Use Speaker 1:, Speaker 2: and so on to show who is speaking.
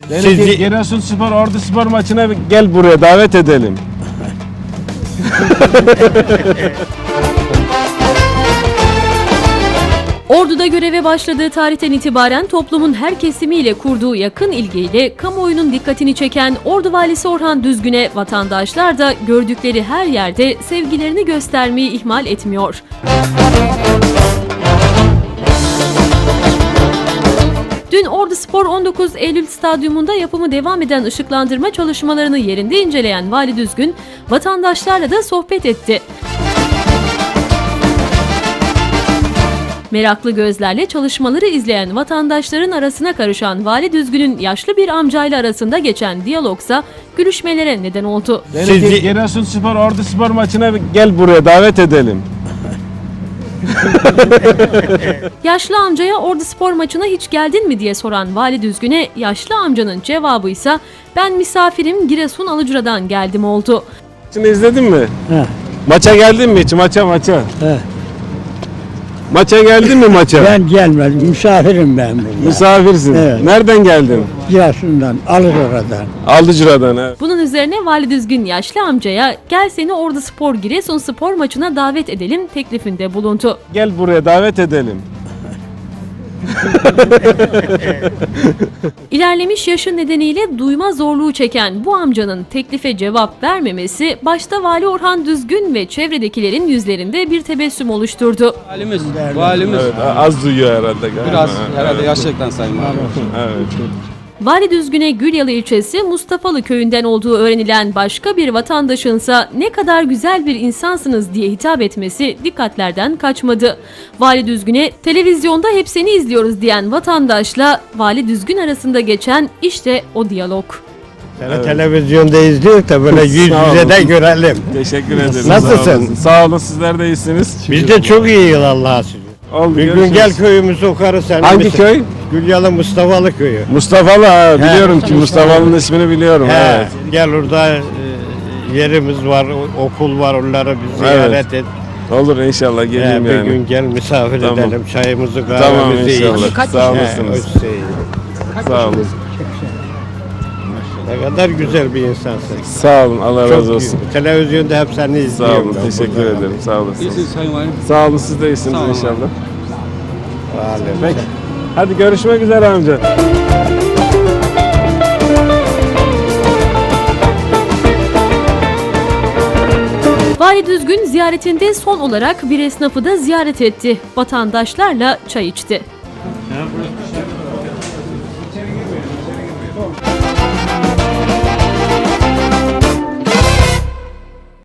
Speaker 1: Beni Giresunspor Orduspor maçına gel buraya davet edelim.
Speaker 2: Ordu'da göreve başladığı tarihten itibaren toplumun her kesimiyle kurduğu yakın ilgiyle kamuoyunun dikkatini çeken Ordu Valisi Orhan Düzgün'e vatandaşlar da gördükleri her yerde sevgilerini göstermeyi ihmal etmiyor. Dün Orduspor 19 Eylül Stadyumunda yapımı devam eden ışıklandırma çalışmalarını yerinde inceleyen Vali Düzgün, vatandaşlarla da sohbet etti. Meraklı gözlerle çalışmaları izleyen vatandaşların arasına karışan Vali Düzgün'ün yaşlı bir amcayla arasında geçen diyalogsa gülüşmelere neden oldu.
Speaker 1: Beni Giresunspor Orduspor maçına gel buraya davet edelim.
Speaker 2: Yaşlı amcaya Orduspor maçına hiç geldin mi diye soran Vali Düzgün'e yaşlı amcanın cevabıysa ben misafirim Giresun Alıcıra'dan geldim oldu.
Speaker 1: Şimdi izledin mi?
Speaker 3: He.
Speaker 1: Maça geldin mi hiç? Maça.
Speaker 3: He.
Speaker 1: Maça geldin mi maça?
Speaker 3: Ben gelmedim, misafirim ben burada.
Speaker 1: Misafirsin.
Speaker 3: Evet.
Speaker 1: Nereden geldin?
Speaker 3: Giresun'dan, Alıcıra'dan.
Speaker 1: Aldıcıra'dan. He.
Speaker 2: Bunun üzerine Vali Düzgün yaşlı amcaya gel seni Orduspor Giresunspor maçına davet edelim teklifinde bulundu.
Speaker 1: Gel buraya davet edelim.
Speaker 2: İlerlemiş yaşı nedeniyle duyma zorluğu çeken bu amcanın teklife cevap vermemesi başta Vali Orhan Düzgün ve çevredekilerin yüzlerinde bir tebessüm oluşturdu.
Speaker 4: Valimiz.
Speaker 1: Evet, az duyuyor herhalde galiba.
Speaker 4: Biraz herhalde yaşlıktan sayın valim.
Speaker 1: Evet.
Speaker 2: Vali Düzgün'e Gülyalı ilçesi Mustafalı köyünden olduğu öğrenilen başka bir vatandaşınsa ne kadar güzel bir insansınız diye hitap etmesi dikkatlerden kaçmadı. Vali Düzgün'e televizyonda hep seni izliyoruz diyen vatandaşla Vali Düzgün arasında geçen işte o diyalog.
Speaker 3: Seni televizyonda izliyoruz da böyle yüz
Speaker 1: Sağ
Speaker 3: yüze de
Speaker 1: olun.
Speaker 3: görelim.
Speaker 1: Teşekkür ederim.
Speaker 3: Nasılsın?
Speaker 1: Sağ olun. Sağ olun, sizler de iyisiniz.
Speaker 3: Biz de çok iyiyiz Allah'a şükür.
Speaker 1: Oldu,
Speaker 3: Bir gün
Speaker 1: görüşürüz.
Speaker 3: gel köyümüzü okarız sen.
Speaker 1: Hangi köy?
Speaker 3: Gülyalı Mustafalı köyü.
Speaker 1: Mustafalı, ha, biliyorum ki
Speaker 3: Mustafalı.
Speaker 1: Mustafa'nın ismini biliyorum.
Speaker 3: He,
Speaker 1: Evet.
Speaker 3: gel orada yerimiz var, okul var, onları bir ziyaret et.
Speaker 1: Olur inşallah geleyim
Speaker 3: Bir
Speaker 1: yani.
Speaker 3: gün gel misafir
Speaker 1: Tamam.
Speaker 3: edelim, çayımızı
Speaker 1: Tamam
Speaker 3: kahvemizi
Speaker 1: inşallah.
Speaker 3: iç.
Speaker 1: Sağ olasınız. Sağ olun.
Speaker 3: Ne kadar güzel bir insansın.
Speaker 1: Sağ olun. Allah razı olsun.
Speaker 3: Televizyonda hep seni
Speaker 1: Sağ
Speaker 3: izliyorum.
Speaker 1: olun.
Speaker 3: ben
Speaker 1: Teşekkür
Speaker 3: burada.
Speaker 1: ederim. Sağ olasınız.
Speaker 4: İyisiniz sayın valim.
Speaker 1: Sağ olun. Siz de iyisiniz
Speaker 4: Sağ olun.
Speaker 1: inşallah.
Speaker 3: Valim.
Speaker 1: Peki. Hadi görüşmek üzere amca.
Speaker 2: Vali Düzgün ziyaretinde son olarak bir esnafı da ziyaret etti. Vatandaşlarla çay içti.